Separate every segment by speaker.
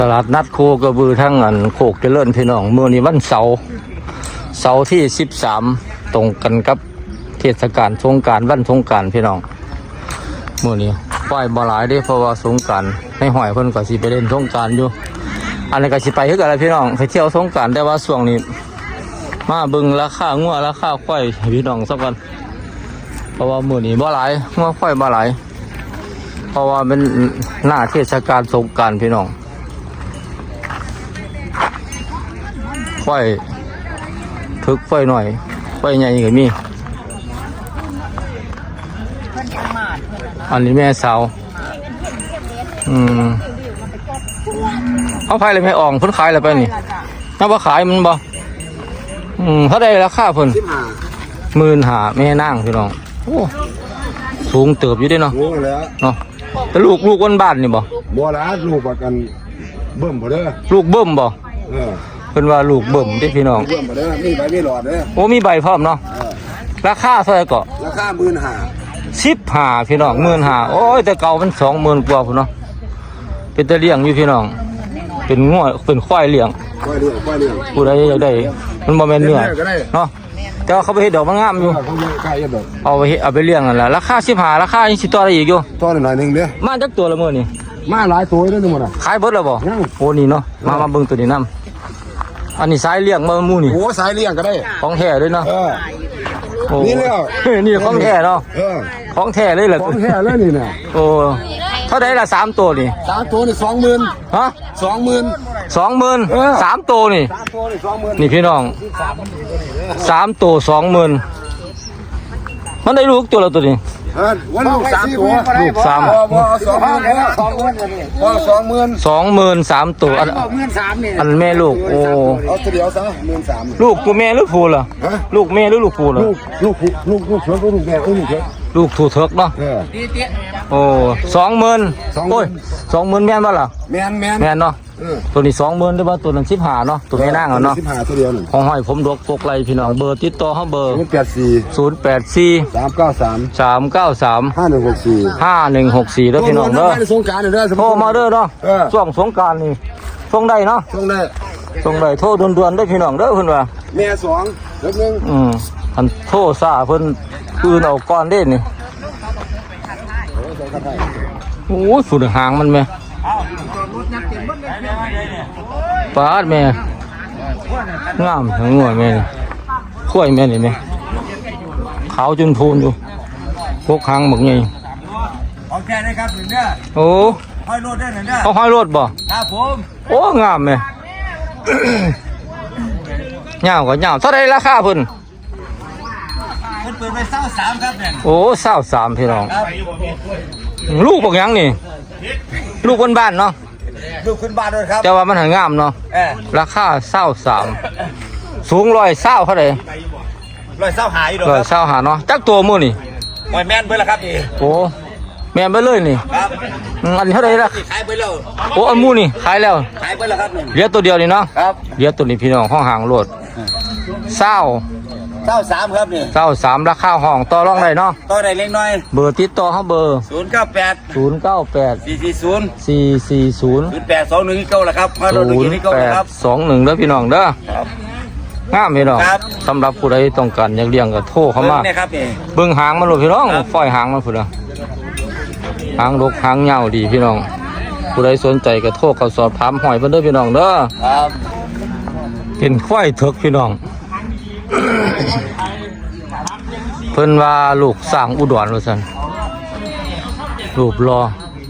Speaker 1: ตลาดนัดโคกระบือทั้งอันโคกเจริญพี่น้องมื้อนี้วันเสาร์ที่13ตรงกันกับเทศกาลสงกรานต์วันสงกรานต์พี่น้องมื้อนี้ปล่อยบ่หลายเด้เพราะว่าสงกรานต์ในห้อยเพิ่นก็สิไปเล่นสงกรานต์อยู่อันนี้ก็สิไปคือกันล่ะพี่น้องไปเที่ยวสงกรานต์แต่ว่าช่วงนี้มาเบิ่งราคางัวราคาควายให้พี่น้องซะก่อนเพราะว่ามื้อนี้บ่หลายงัวควายบ่หลายเพราะว่าเป็นหน้าเทศกาลสงกรานต์พี่น้องควายถึกควายหน่อยควายใหญ่ก็มีอันนี้แม่สาวเขาขายอะไรไม่ออกเพิ่นขายอะไรไปนี่น่าว่าขายมันบ่เขาได้ราคาเพิ่น15,000แม่นางพี่น้องโอ้สูงเติบอยู่ด้วยเนาะเนาะแต่ลูกวันบ้านนี่บ่
Speaker 2: ละลูกประกันเบิ่มบ่เด้อ
Speaker 1: ลูกเบิ่มบ่เพิ่นว่าลูกเบิ่มเด้พี่น้อง
Speaker 2: เบิ่มบ่เด้อมีใบมีหลอดเด้อ
Speaker 1: โอ้มีใบพร้อมเนาะราคาเท่าไหร่ก็
Speaker 2: ราคา
Speaker 1: 15,000พี่น้อง15,000โอ้ยแต่เก่ามัน20,000กว่าพุ่นเนาะเป็นตะเลี้ยงอยู่พี่น้องเป็นงัวเป็นควายเลี้ยงผู้ใดอยากได้มันบ่แม่นเนื้อเนาะแต่ว่าเขาไปเฮ็ดดอกมันงามอยู่เอาไปเลี้ยงนั่นล่ะราคา15ราคายังสิต่อได้อีกอยู่
Speaker 2: ต่อหน่อยนึงเด้อ
Speaker 1: มาจักตัวละมื้อนี่
Speaker 2: มาหลายตัวเด้อนี่หมดอ่ะ
Speaker 1: ขายเบิดแล้วบ่โอ้นี่เนาะมาเบิ่งตัวนี้นำอันนี้สายเลี้ยงมาหมู่นี่
Speaker 2: โอ้สายเลี้ยงก็ได้
Speaker 1: ของแท้เลยเนาะ
Speaker 2: นี่แล้ว
Speaker 1: นี่ของแท้เนาะของแท้เลยเหรอ
Speaker 2: ของแท้เลยนี่น่ะ
Speaker 1: โอ้เท่าใดล่ะ3ตัวนี่
Speaker 2: 3ตัวนี่ 20,000ฮะ20,000
Speaker 1: 3ตัวนี่นี่พี่น้อง3ตัว20,000มันได้ลูกตัวละตัวนี้
Speaker 2: วันลูก3ตัว
Speaker 1: ลูก320,000 3ตัวอันแม่ลูกโอ้
Speaker 2: เอาตัวเดียวซะ13,000
Speaker 1: ลูกตัวแม่หรือผู้ล่ะลูกแม่หรือลูกผู้ล่ะ
Speaker 2: ลูกเสือลูกแม่ลูกเสือ
Speaker 1: ลูกถูเถิกเนาะโอ้20,000โอ้ย20,000แม่นบ่ล่ะแม่นเนาะตัวนี้20,000ได้บ่ตัวนั้น15เนาะตัวแม่นางเนาะ
Speaker 2: 15ตัวเดียวนึง
Speaker 1: ของห้อยผมดกปกไหลพี่น้องเบอร์ติดต่อเฮาเบอร์
Speaker 2: 084 393
Speaker 1: 5164เด้อพี่น้องเด้อ
Speaker 2: สงกรานต์เด้อ
Speaker 1: โทรมาเด้อเนาะช่วงสงกรานต์นี่ส่งได้เนาะส่งได้โทรด่วนๆเด้อพี่น้องเด้อเพิ่นว่า
Speaker 2: แม่2นึง
Speaker 1: อันโทรซ่าเพิ่นคืนเอาก่อนเด้นี่โอ้ยฝุ่นหางมันแม่ปาดแม่งามทั้งงัวแม่ข้วยแม่นี่แม่ขาวจนพูนอยู่พวกหางหมึกไง
Speaker 3: ของแค่ได้ครับหนึ่งเด้อ
Speaker 1: โอ้
Speaker 3: ห้อยรถได้หนึ่งเด้อ
Speaker 1: เขาห้อยรถบ่
Speaker 3: ครับผม
Speaker 1: โอ้งามแม่เงาก็เงาเท่าไรราคาเพิ่น
Speaker 3: เปิดไป23ครับเนี่ย
Speaker 1: โอ้23พี่น้องลูกบอกยังนี่ลูกคนบ้านเนาะ
Speaker 3: ลูกขึ้นบ้านด้วยครับ
Speaker 1: แต่ว่ามันหางามเนาะราคา23สูง120เท่าไหร่
Speaker 3: 120หายอยู่
Speaker 1: 120หาเนาะจักตัวมื้อนี่
Speaker 3: หอยแม่นเบิ่ละครับนี่
Speaker 1: โอ้แม่นไปเลยนี่
Speaker 3: ครับ
Speaker 1: อันนี้เท่าไหร่ล่ะ
Speaker 3: ขายไปแล้ว
Speaker 1: โอ้อันมื้อนี่ขายแล้ว
Speaker 3: ขายไปแล้วครับนี่
Speaker 1: เหลือตัวเดียวนี่เนาะ
Speaker 3: ครับ
Speaker 1: เหลือตัวนี้พี่น้องห้องหางโลด
Speaker 3: 23ครับนี่
Speaker 1: 23ราคาห้องต่อรองได้เนาะ
Speaker 3: ต่อได้เล็กน้อย
Speaker 1: เบอร์ติดต่อเฮาเบอร์
Speaker 3: 098 440
Speaker 1: 440
Speaker 3: 0821เก่าล่ะครับมาโดนตรงนี้เก่าครับ
Speaker 1: 21เด้อพี่น้องเด้อครับงามพี่น้องสำหรับผู้ใดต้องการอยากเลี้ยงก็โทรเข้ามา
Speaker 3: เนี่ยครับนี่
Speaker 1: เบิ่งหางมันโลดพี่น้องฝ้อยหางมันพุ่นน่ะหางรกหางยาวดีพี่น้องผู้ใดสนใจก็โทรเข้าสอบถามหอยเพิ่นเด้อพี่น้องเด้อ
Speaker 3: ครับ
Speaker 1: เป็นควายเถิกพี่น้องเพิ่นว่าลูกสร้างอุดรว่าซั่นรูปรอ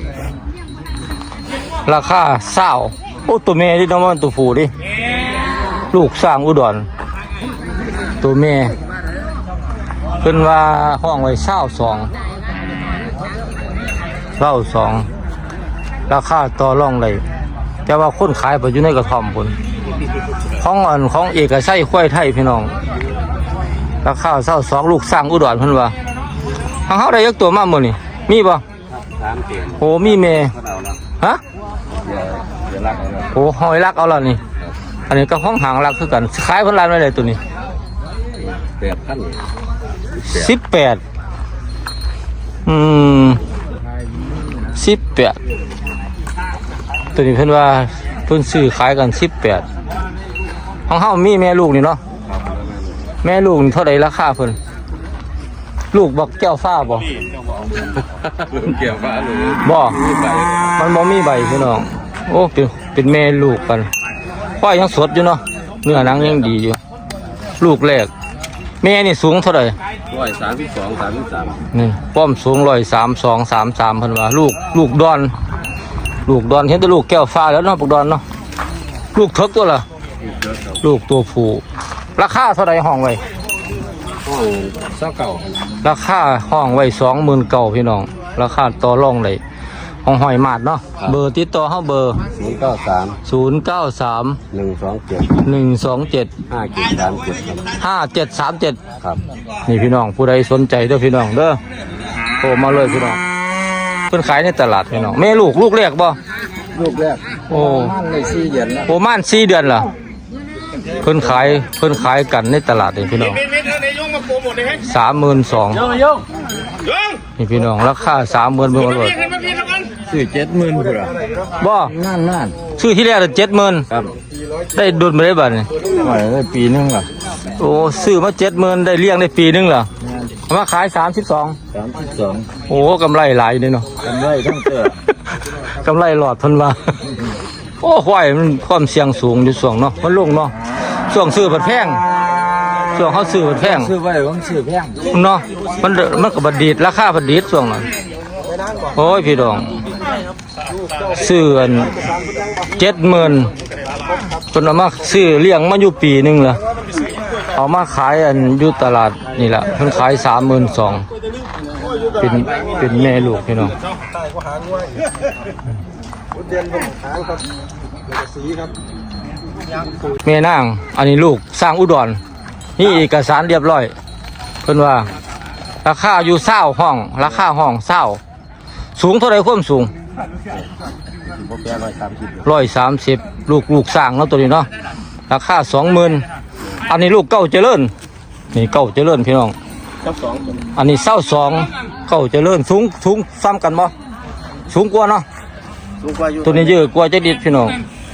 Speaker 1: ราคา20โอ้ตัวแม่ที่น้องมันตัวผู้ดิลูกสร้างอุดรตัวแม่เพิ่นว่าห้องไว้22ราคาต่อรองได้แต่ว่าคนขายไปอยู่ในกระท่อมพุ่นของเอกชัยควายไทยพี่น้องราคา22ลูกสร้างอุดรเพิ่นว่าทางเฮาได้ยักตัวมามื้อนี่มีบ่โอ้มีแม่ฮะโอ้หอยลักเอาล่ะนี่อันนี้ก็ห้องหางลักคือกันขายเพิ่นร้านไว้ได้ตัวนี้18 18ตัวนี้เพิ่นว่าเพิ่นซื้อขายกัน18ของเฮามีแม่ลูกนี่เนาะแม่ลูกนี่เท่าใดราคาเพิ่นลูกบักแก้วฟ้าบ่
Speaker 2: เกี่ยวฟ้าหรือ
Speaker 1: บ่มันบ่มีใบพี่น้องโอ้เป็นแม่ลูกกันควายยังสดอยู่เนาะเนื้อหนังยังดีอยู่ลูกแรกแม่นี่สูงเท่าใด
Speaker 2: 132
Speaker 1: นี่ป้อมสูง132 33เพิ่นว่าลูกดอนเห็นแต่ลูกแก้วฟ้าแล้วเนาะพวกดอนเนาะลูกเถิกตัวล่ะลูกตัวผู้ราคาเท่าใดห้องไว้
Speaker 2: 29
Speaker 1: ราคาห้องไว้29,000พี่น้องราคาต่อรองได้ห้องหอยมาดเนาะเบอร์ติดต่อเฮาเบอร์
Speaker 2: 093
Speaker 1: 093
Speaker 2: 127
Speaker 1: 127 5737
Speaker 2: ครับ
Speaker 1: นี่พี่น้องผู้ใดสนใจเด้อพี่น้องเด้อโทรมาเลยพี่น้องเพิ่นขายในตลาดพี่น้องแม่ลูกแรกบ่
Speaker 2: ลูกแรก
Speaker 1: โอ้
Speaker 2: มันเลย4เดือนแล้ว
Speaker 1: โประมาณ4เดือนล่ะเพิ่นขายกันในตลาดนี่พี่น้อง32,000นี่พี่น้องราคา30,000เบิ่งเอาเลย
Speaker 2: ซื้อ70,000พุ่นล่ะ
Speaker 1: บ่
Speaker 2: นั่น
Speaker 1: ชื่อที่แรก70,000
Speaker 2: ครับ
Speaker 1: ได้ดุลมาได้บัดนี่
Speaker 2: ไว้ได้ปีนึงล่ะ
Speaker 1: โอ้ซื้อมา70,000ได้เลี้ยงได้ปีนึงล่ะเอามาขาย32
Speaker 2: 32
Speaker 1: โอ้กำไรหลายอยู่เด้เนาะ
Speaker 2: กำไรทั้งเตื้อก
Speaker 1: ำไรหลอดเพิ่นว่า โอ้ควายมันความเสี่ยงสูงอยู่ช่วงเนาะมันลงเนาะช่วงซื้อผัดแพงช่วงเขาซื้อผัดแพง
Speaker 2: ซื้อไว้ผมซื้อแพง
Speaker 1: เนาะมันก็บัดดีดราคาบัดดีดช่วงนั้นโอ้ยพี่น้องซื้ออัน70,000เพิ่นเอามาซื้อเลี้ยงมาอยู่ปีนึงล่ะเอามาขายอันอยู่ตลาดนี่ล่ะเพิ่นขาย32,000เป็นแม่ลูกพี่น้องแม่นางอันนี้ลูกสร้างอุดรนี่เอกสารเรียบร้อยเพิ่นว่าราคาอยู่20ห้องราคาห้อง20สูงเท่าไรความสูง130ลูกสร้างเนาะตัวนี้เนาะราคา20,000อันนี้ลูกเก้าเจริญนี่เก้าเจริญพี่น้องอันนี้22เก้าเจริญสูงซ้ำกันบ่สูงกว่าเนาะตัวนี้เยอะกว่าจะดิดพี่น้อง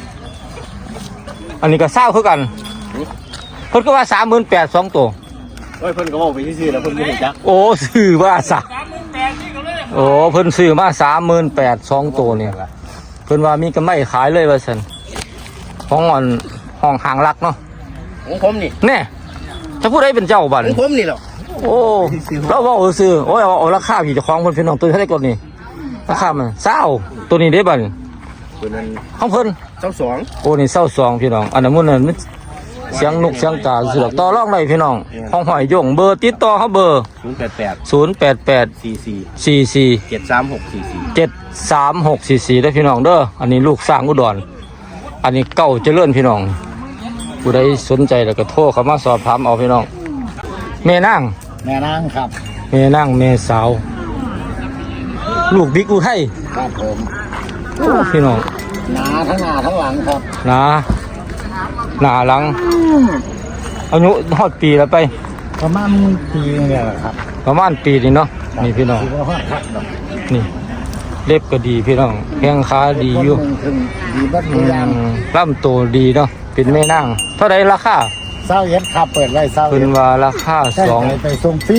Speaker 1: อันนี้ก็20คือกันเพิ่นก็ว่า38,000 2ตัว
Speaker 3: โอ้ยเพิ่นก็บอกไปซื่อๆแล้วเพิ่นบ่รู้จัก
Speaker 1: โอ้ซื้อมาโอ้เพิ่นซื้อมา38,000 2ตัวเนี่ยเพิ่นว่ามีกำไรขายเลยว่าซั่นของอ่อนห้องหางรักเนาะ
Speaker 3: ของผมนี่
Speaker 1: แน่ถ้าผู้ใดเป็นเจ้าบัด
Speaker 3: ของผมนี่แหละ
Speaker 1: โอ้เราเว้าซื้อโอ้ยเอาราคาพี่เจ้าของเพิ่นพี่น้องตัวเท่าไหร่ก่อนนี่ราคามัน20ตัวนี้ได้บัด
Speaker 3: ตัวนั้น
Speaker 1: ของเพิ่น
Speaker 3: 22
Speaker 1: โอ้นี่22พี่น้องอันนั้นมันนั่นมันเสียงนกเสียงกาสิดอกต่อรองได้พี่น้องห้องหอยยงเบอร์ติดต่อเฮาเบอร์
Speaker 3: 088
Speaker 1: 088
Speaker 3: 44
Speaker 1: 44
Speaker 3: 73644
Speaker 1: 73644ได้พี่น้องเด้ออันนี้ลูกสร้างอุดรอันนี้เก่าเจริญพี่น้องผู้ใดสนใจแล้วก็โทรเข้ามาสอบถามเอาพี่น้องแม่นาง
Speaker 3: แม่นางครับ
Speaker 1: แม่นางแม่สาวลูกบิ๊กอุทัย
Speaker 3: ครับผม
Speaker 1: โอ้พี่น้อง
Speaker 3: หนาทั้งหน้าทั้งหลังครับ
Speaker 1: หนาหนาหลังอายุฮอดปีแล้วไป
Speaker 3: ประมาณปีนึงเนี่ยแหละครับ
Speaker 1: ประมาณปีนี่เนาะนี่พี่น้อง
Speaker 3: ถือว่าฮอดครับดอก
Speaker 1: นี่เล็บก็ดีพี่น้องแข้งขาดีอยู่
Speaker 3: คนหนึ่งถึงดีบัด
Speaker 1: อื
Speaker 3: ทุกอย่าง
Speaker 1: มลำตัวดีเนาะเป็นแม่นางเท่าไรราคา
Speaker 3: เศร้าเย็ดครับเปิดไว้เศร้า
Speaker 1: เพิ่
Speaker 3: เย็
Speaker 1: น
Speaker 3: ด
Speaker 1: ว่าราคา
Speaker 3: ใช่ไปส่งฟรี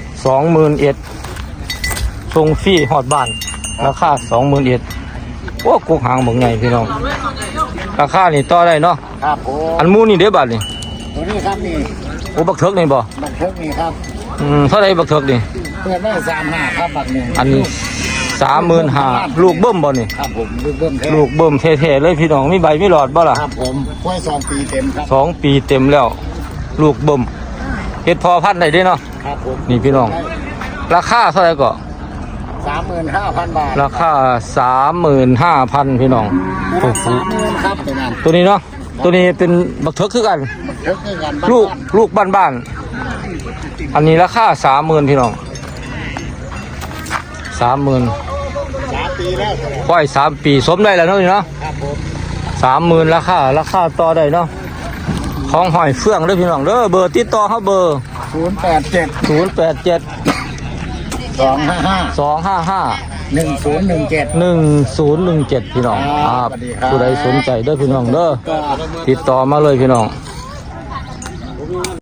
Speaker 1: 21,000ส่งฟรีฮอดบ้านราคา21,000โอ้กุกหางบ่ใหญ่พี่น้องราคานี่ต่อได้เนาะ
Speaker 3: ครับผม
Speaker 1: อันหมูนี่เด้อบัดนี่
Speaker 3: ตัวนี้ครับนี่
Speaker 1: โอ้บักเถิกนี่บ่
Speaker 3: บักเทิกนี่ครับ
Speaker 1: เท่าไรบักเถิกนี่
Speaker 3: เปิดไว้35ครับบักหนึ่ง
Speaker 1: อันนี้35,000ลูกเบิ่มบ่นี่
Speaker 3: ครับผมลูกเบิ้มแท้
Speaker 1: ลูกเบิ่มแท้ๆเลยพี่น้องมีใบมีหลอดบ่ล่ะ
Speaker 3: ครับผมกล้วย2 ปีเต็มครับ
Speaker 1: 2 ปีเต็มแล้ว ลูกเบิ่มเฮ็ดพอพันธุ์ได้เด้เนาะ
Speaker 3: ครับผม
Speaker 1: นี่พี่น้อง ราคาเท่าไหร่ก็
Speaker 3: 35,000 บาท
Speaker 1: ราคา 35,000พี่น้องถูก
Speaker 3: 30,000ครับตัวนั้น
Speaker 1: ตัวนี้เนาะตัวนี้เป็นบักเถิกคือกัน
Speaker 3: บักเทิกนี่กันบ้าน
Speaker 1: ลูกบ้านๆอันนี้ราคา 30,000พี่น้อง 30,000
Speaker 3: 3 ปีแล้ว
Speaker 1: ค่อย3 ปีสมได้แล้วเนาะนี่เนาะ
Speaker 3: ครับผม
Speaker 1: 30,000ราคาต่อได้เนาะของหอยเฟื่องเด้อพี่น้องเด้อเบอร์ติดต่อเฮาเบอร์
Speaker 3: 087
Speaker 1: 087
Speaker 3: 255
Speaker 1: 255
Speaker 2: 1017
Speaker 1: 1017พี่น้อง
Speaker 2: ครับสวัสดีครับ
Speaker 1: ผู้ใดสนใจเด้อพี่น้องเด้อ
Speaker 2: ก็
Speaker 1: ติดต่อมาเลยพี่น้อง